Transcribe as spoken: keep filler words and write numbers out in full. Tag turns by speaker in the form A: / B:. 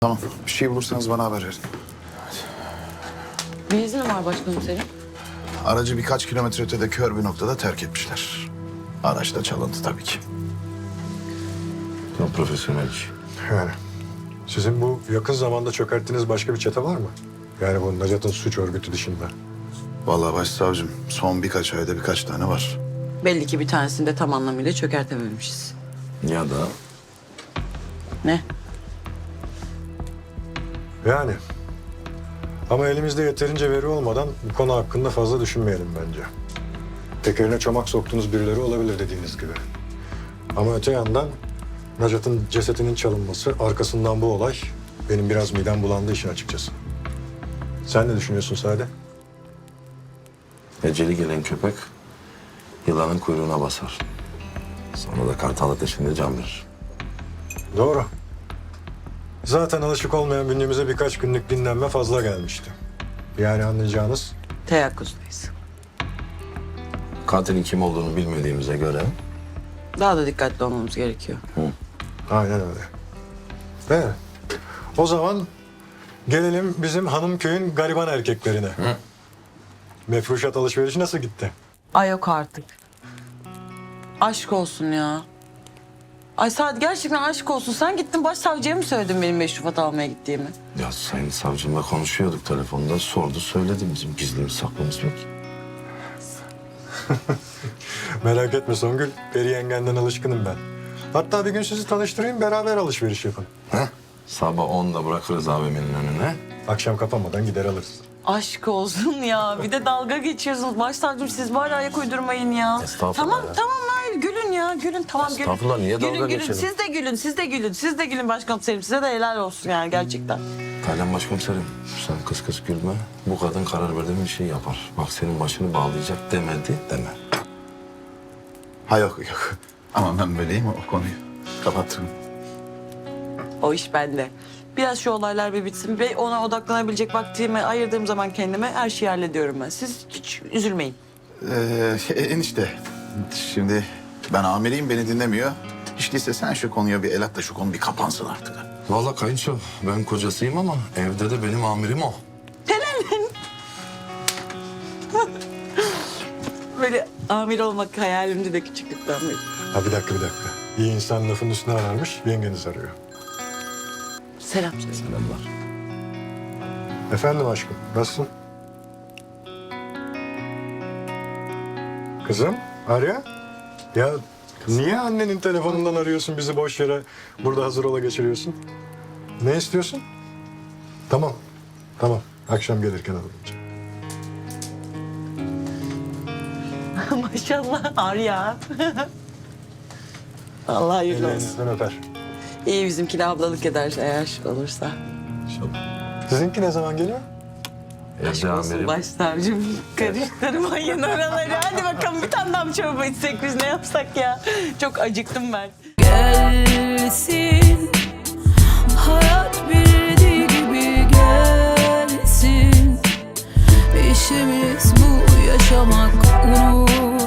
A: Tamam. Bir şey bulursanız bana haber verin.
B: Ne izni var başkomiserim?
A: Aracı birkaç kilometre ötede kör bir noktada terk etmişler. Araç da çalındı tabii ki.
C: Çok profesyonel iş.
D: Yani sizin bu yakın zamanda çökerttiğiniz başka bir çete var mı? Yani bu Necat'ın suç örgütü dışında.
A: Vallahi başsavcım son birkaç ayda birkaç tane var.
B: Belli ki bir tanesini de tam anlamıyla çökertememişiz.
C: Ya da
B: Ne?
D: Yani ama elimizde yeterince veri olmadan bu konu hakkında fazla düşünmeyelim bence. Tekerine çomak soktuğunuz birileri olabilir dediğiniz gibi. Ama öte yandan Necat'ın cesetinin çalınması, arkasından bu olay benim biraz midem bulandığı işin açıkçası. Sen ne düşünüyorsun Sade?
C: eceli gelen köpek yılanın kuyruğuna basar. Sonra da kartal ateşinde can verir.
D: Doğru. Zaten alışık olmayan bünyemize birkaç günlük dinlenme fazla gelmişti. Yani anlayacağınız
B: Teyakkuzdayız.
C: Katilin kim olduğunu bilmediğimize göre
B: Daha da dikkatli olmamız gerekiyor.
D: aynen öyle. Evet. O zaman gelelim bizim hanım köyün gariban erkeklerine.
C: Hı.
D: Mefruşat alışverişi nasıl gitti?
B: Ay yok artık. Aşk olsun ya. Ay Sadi gerçekten aşk olsun. Sen gittin başsavcıya mı söyledin benim meşrufat almaya gittiğimi?
C: ya sayın savcımla konuşuyorduk telefonda, sordu söyledi, bizim gizlimiz saklımız yok.
D: Merak etme Songül, Peri yengenden alışkınım ben. Hatta bir gün sizi tanıştırayım, beraber alışveriş yapın.
C: Heh. Sabah onda bırakırız A V M'nin önüne.
D: Akşam kapanmadan gider alırız.
B: Aşk olsun ya. Bir de dalga geçiyorsunuz. Başsavcım siz bari ayak uydurmayın ya.
C: Estağfurullah
B: Tamam
C: ya.
B: tamam hayır gülün ya gülün tamam gülün.
C: Estağfurullah, niye dalga
B: gülün, gülün.
C: geçelim?
B: Siz de gülün siz de gülün siz de gülün başkomiserim. Size de helal olsun yani gerçekten.
C: Taylan başkomiserim, sen kıs kıs gülme. Bu kadın karar verdi mi bir şey yapar. Bak senin başını bağlayacak demedi deme.
A: Ha yok yok. Ama ben böyleyim o konuyu. Kapattım.
B: O iş bende. Biraz şu olaylar bir bitsin ve ona odaklanabilecek vaktimi ayırdığım zaman kendime her şeyi hallediyorum ben. Siz hiç üzülmeyin.
A: Ee, enişte. Şimdi ben amiriyim beni dinlemiyor. Hiç değilse sen şu konuya bir el at da şu konu bir kapansın artık.
C: Vallahi kayınço, ben kocasıyım ama evde de benim amirim o.
B: Böyle amir olmak hayalimdi de küçüklükten beri.
D: Ha bir dakika bir dakika. İyi insan lafın üstüne ararmış, yengeniz arıyor.
B: Selam söyle.
C: Selamlar.
D: Efendim aşkım, nasılsın? Kızım, Arya? Ya niye annenin telefonundan arıyorsun bizi boş yere burada hazır ola geçiriyorsun? Ne istiyorsun? Tamam, tamam. Akşam gelirken alırım.
B: Maşallah Arya. Allah hayırlı olsun.
D: Ellerinizden öper.
B: İyi bizimkine ablalık eder eğer olursa.
C: İnşallah.
D: Sizinki ne zaman geliyor?
B: Aşk
C: Evde
B: olsun
C: amirim.
B: başsavcım. Karıştırmayın oraları. Hadi bakalım bir tane daha mı çorba içsek biz ne yapsak ya? Çok acıktım ben.
E: Gelsin hayat bildiği gibi gelsin. İşimiz bu yaşamak, unut